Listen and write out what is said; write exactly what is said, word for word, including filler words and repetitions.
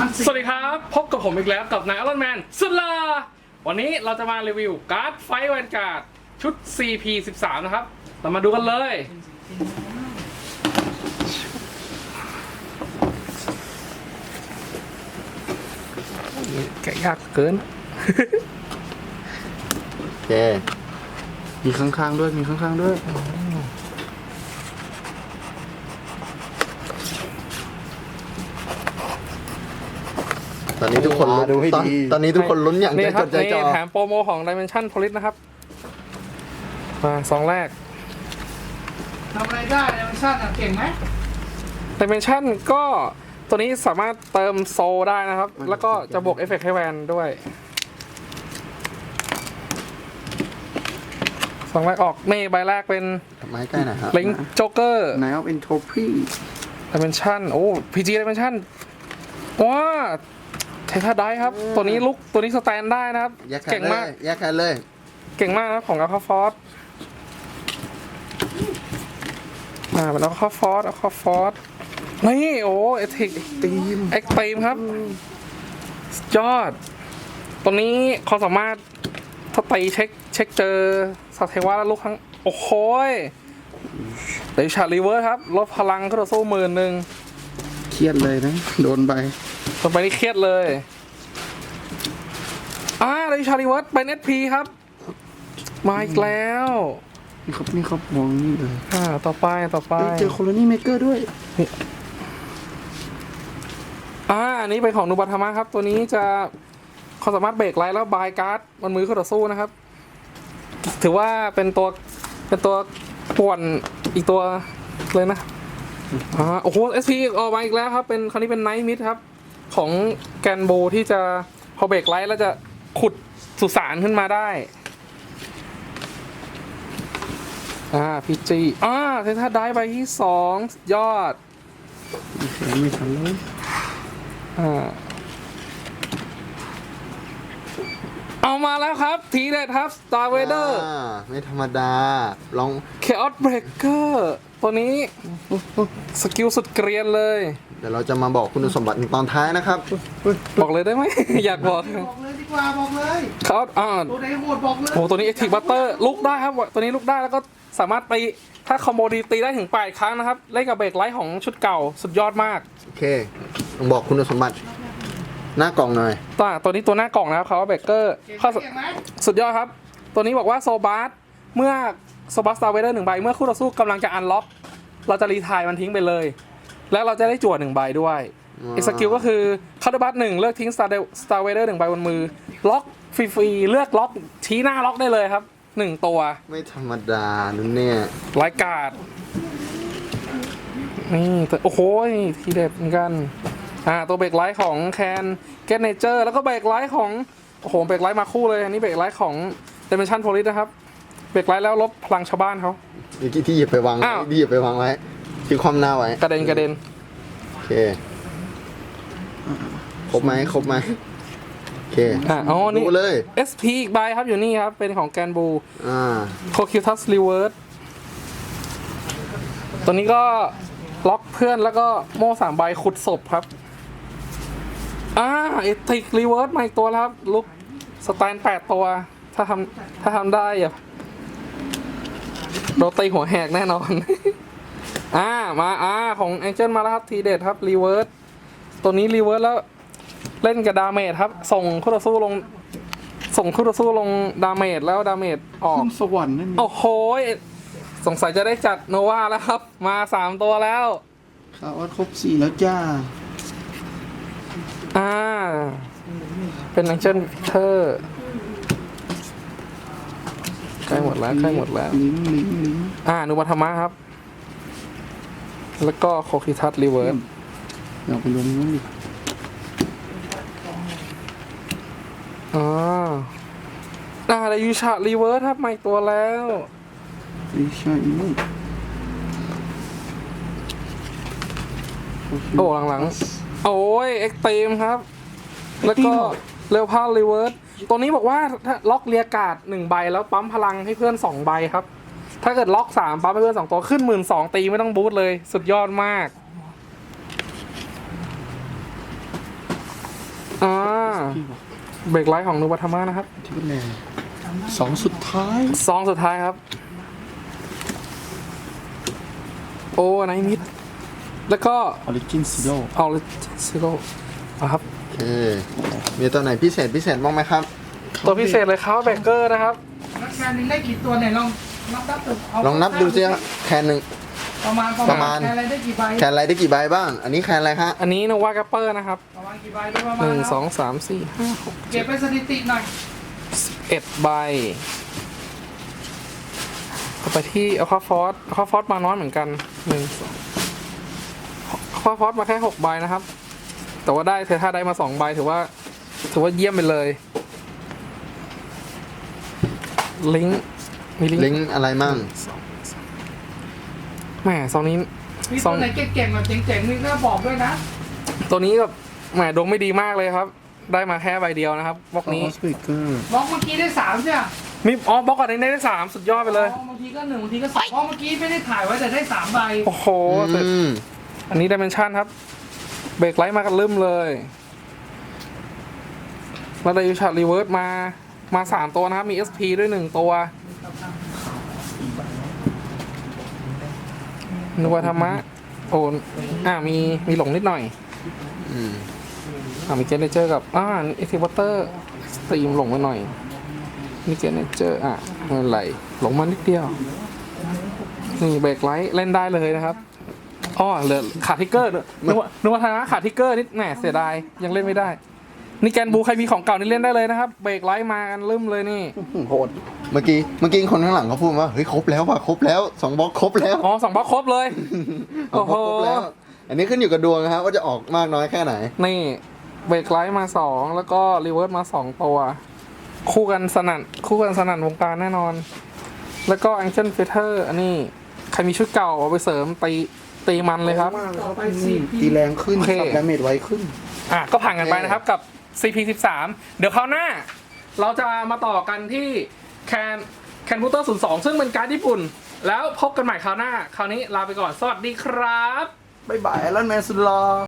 สวัสดีครับพบกับผมอีกแล้วกับนายอรอนแมนสุดลาวันนี้เราจะมารีวิวการ์ดไฟท์แวนการ์ดชุด ซี พี สิบสาม นะครับเรามาดูกันเลยแกะยากเกินโอเคมีข้างๆด้วยมีข้างๆด้วยตอนนี้ทุกคนดูให้ดีตอนนี้ทุกคนลุ้นอย่างใจจดใจจ่อนี่แถมโปรโมของ Dimension Police นะครับมาสองแรกทำอะไรได้ในมันชั่นอ่ะเก่งไหม Dimension ก็ตัวนี้สามารถเติมโซลได้นะครับ แล้วก็จะบวกเอฟเฟกต์ให้แวนด้วยสองแรกออกนี่ใบแรกเป็นไม้ใกล้หน่อยครับลิงโจ๊กเกอร์ Knight of Entropy Dimension โอ้ พี จี Dimension ว้าเทท่าได้ครับ ตัวนี้ลุกตัวนี้สแตนได้นะครับแยกแขเก่นงเลมากยแยกแขนเลยเก่งมากนะครับของ Alpha Force อ่าเป็น Alpha Force Alpha Force นี่โอ้เอทิกทีมเอ็กซ์ตรีมครับสุดยอด ตัวนี้ความสามารถถ้าตีเช็คเช็คเจอสัตว์เทวะแล้วลูกครั้งโอ้โหเดชารีเวิร์สครับลดพลังก็ต่อสู้หมื่นหนึ่งเครียดเลยนะโดนใบต่อไปนี่เครียดเลยอ่าเดชารีเวิร์สเป็น เอส พี ครับ มาอีกแล้วนี่ครับนี่ครับมองนี่เลยอ่าต่อไปต่อไปเฮ้ยเจอโคโลนี่เมเกอร์ด้วยอ่าอันนี้เป็นของนูบัตามะครับ ตัวนี้จะความสามารถเบรกไลท์แล้วบายการ์ดมันมือเข้าต่อสู้นะครับ ถือว่าเป็นตัวเป็นตัวป่วนอีกตัวเลยนะอ่าโอ้โห เอส พี ออกมาอีกแล้วครับเป็นคราวนี้เป็นไนท์มิดครับ ของแกนโบที่จะพอเบรกไลท์แล้วจะขุดสุสานขึ้นมาได้อ่าพีจีอ่าเทท่าได้ใบที่สองยอดไม่ทันเลยอ่าเอามาแล้วครับทีเด็ดครับ Star Vader อ่าไม่ธรรมดาลอง Chaos Breaker ตัวนี้สกิลสุดเกรียนเลยเดี๋ยวเราจะมาบอกคุณสมบัติตอนท้ายนะครับบอกเลยได้ไหม อยากบอกบอกเลยดีกว่าบอกเลยเขาอ่าตัวไหนโหดบอกเลยโอ้ตัวนี้ Active Butter ลุกได้ครับตัวนี้ลุกได้แล้วก็สามารถตีถ้าคอมโบดีตีได้ถึงแปดครั้งนะครับเล่นกับเบรกไลท์ของชุดเก่าสุดยอดมากโอเคลองบอกคุณสมบัติหน้ากล่องหน่อยตัวตัวนี้ตัวหน้ากล่องนะครับเขาว่าเบรกเกอร์เก่งไหมข้อเก่งไหมสุดยอดครับ ตัวนี้บอกว่าโซบาร์เมื่อโซบาร์สตาร์เวเดอร์หนึ่งใบเมื่อคู่ต่อสู้กำลังจะอันล็อกเราจะรีไทายมันทิ้งไปเลย แล้วเราจะได้จั่วหนึ่งใบด้วยอ๋ออีกสกิลก็คือคาร์ดบัตหนึ่งเลือกทิ้งสตาร์สตาร์เวเดอร์หนึ่งใบบนมือล็อกฟรีๆเลือกล็อกชี้หน้าล็อกได้เลยครับหนึ่งตัวไม่ธรรมดานั่นเนี่ยไลายการ์ดนี่แต่โอ้โหทีเด็ดเหมือนกันอ่าตัวเบรกไลท์ของแคนเกตเนเจอร์แล้วก็เบรกไลท์ของโอ้โหเบรกไลท์มาคู่เลยอันนี้เบรกไลท์ของ Dimension Police นะครับเบรกไลท์แล้วลบพลังชาวบ้านเขาเมื่อกี้ที่หยิบไปวางไว้อ้าวที่หยิบไปวางไว้ที่ความหน้าไว้กระเด็นกระเด็นโอเคครบไหมครบไหมโอเคอ่าอ๋อนี่ดูเลยเอส พี อีกใบครับอยู่นี่ครับเป็นของแกนบูอ่าโคคิวทัสรีเวิร์สตัวนี้ก็ล็อกเพื่อนแล้วก็โม่สามใบขุดศพครับอ่าเอติกรีเวิร์สมาอีกตัวแล้วครับลุกสแตนแปดตัวถ้าทำถ้าทำได้อย่าโดนตีหัวแหกแน่นอน อ่ามาอ่าของแองเจิลมาแล้วครับทีเด็ดครับรีเวิร์สตัวนี้รีเวิร์สแล้วเล่นกับดาเมจครับส่งคู่ต่อสู้ลงส่งคู่ต่อสู้ลงดาเมจแล้วดาเมจออกขึ้นสวรรค์นั่นโอ้โหสงสัยจะได้จัดโนวาแล้วครับ มาสามตัวแล้วข่าวว่าครบสี่แล้วจ้าอ่า เป็นแองเจิลเทอร์ใกล้หมดแล้วใกล้หมดแล้วลิงก์ลิงก์ลิงก์อ่านุวัฒมะครับ แล้วก็โคคิทัสรีเวิร์สเราไปลงนู้นดิอ่าอ่าแล้วยูชารีเวิร์สครับมาอีกตัวแล้วไม่ใช่นู่นโอ้หลังๆ โอ้ยเอ็กตรีมครับ แล้วก็เร็วพารีเวิร์สตัวนี้บอกว่าถ้าล็อกเรียกาดหนึ่งใบแล้วปั๊มพลังให้เพื่อนสองใบครับ ถ้าเกิดล็อกสามปั๊มให้เพื่อนสองตัวขึ้นหมื่นสองตีไม่ต้องบูทเลยสุดยอดมากเบรกไลท์ของนูบัตามะนะครับที่เป็นแนวสองสุดท้ายซองสุดท้ายครับ โอ้ไนมิดแล้วก็ออริจินซิโร่เอาเลยซิโร่ครับโอเค มีตัวไหนพิเศษพิเศษบ้างไหมครับตัวพิเศษเลยครับเบเกอร์นะครับนักแคนหนึ่งได้กี่ตัวเนี่ยลองนับนับดูเาลองนับดูสิฮะแคนหนึ่งประมาณประมาณแคนอะไรได้กี่ใบแคนอะไรได้กี่ใบบ้าง อันนี้แคนอะไรฮะอันนี้โนวาแกปเปอร์นะครับประมาณกี่ใบได้ประมาณหนึ่งนะสองสามสี่ห้าหกเก็บเป็นสถิติหน่อยเอ็ดใบต่อไปที่เอาคาฟอสเอาคาฟอสมาน้อยเหมือนกันหนึ่งสองเอาคาฟอสมาแค่หกใบนะครับ แต่ว่าได้เทท่าได้มาสองใบถือว่าถือว่าเยี่ยมไปเลยลิงก์มีลิงก์ลิงก์อะไรมั่งแหมซองนี้มีซตัอวงไหนเก่งๆแบบเจ๋งๆนี่ก็บอกด้วยนะตัวนี้แบบแหมดวงไม่ดีมากเลยครับ ได้มาแค่ใบเดียวนะครับบล็อกนี้สปีกเกอร์บล็อกเมื่อกี้ได้สามใช่ไหมมีอ๋อบล็อกก่อนนี้ได้สามสุดยอดไปเลยบางทีก็หนึ่งบางทีก็สองเพราะเมื่อกี้ไม่ได้ถ่ายไว้แต่ได้สามใบโอ้โหอืมอันนี้ดิเมนชันครับ เบรกไลท์มากันลืมเลยแล้วได้ยูชาร์รีเวิร์สมา มาสามตัวนะครับ มี เอส พี ด้วยหนึ่งตัวนึกว่าธรรมะ โอนอ่ามี มีหลงนิดหน่อยอืมอ่ามีเจเนเจอร์กับ อ่าเอ็กซ์วอเตอร์สตรีมหลงมาหน่อยมีเจเนเจอร์อ่ะไม่เป็นไรหลงมานิดเดียว นี่เบรกไลท์เล่นได้เลยนะครับอ๋อเหลือขาดทิกเกอร์ด้วยนึกว่านึกว่าธนาขาดทิกเกอร์นิดแหมเสียดายยังเล่นไม่ได้ นี่แกนบูใครมีของเก่านี่เล่นได้เลยนะครับ เบรกไลท์มากันลืมเลยนี่โหด เมื่อกี้เมื่อกี้คนข้างหลังเขาพูดว่า เฮ้ยครบแล้วว่ะครบแล้วสองบล็อกครบแล้วอ๋อสองบล็อกครบเลยสองบล็อกครบแล้ว อันนี้ขึ้นอยู่กับดวงนะครับว่าจะออกมากน้อยแค่ไหนนี่เบรกไลท์มาสองแล้วก็รีเวิร์สมาสองตัว คู่กันสนั่นคู่กันสนั่นวงการแน่นอน แล้วก็แองเจิลเฟเธอร์อันนี้ใครมีชุดเก่าเอาไปเสริมตีตีมันเลยครับต่อไปสี่ตีแรงขึ้นโอเคสับดาเมจไวขึ้นอ่ะก็ผ่านกันไปนะครับกับ ซี พี สิบสาม เดี๋ยวคราวหน้า เราจะมาต่อกันที่แคนแคนบูเตอร์ศูนย์สองซึ่งเป็นการ์ดญี่ปุ่น แล้วพบกันใหม่คราวหน้า คราวนี้ลาไปก่อน สวัสดีครับบ๊ายบายแอลลอนแมนสุดหล่อ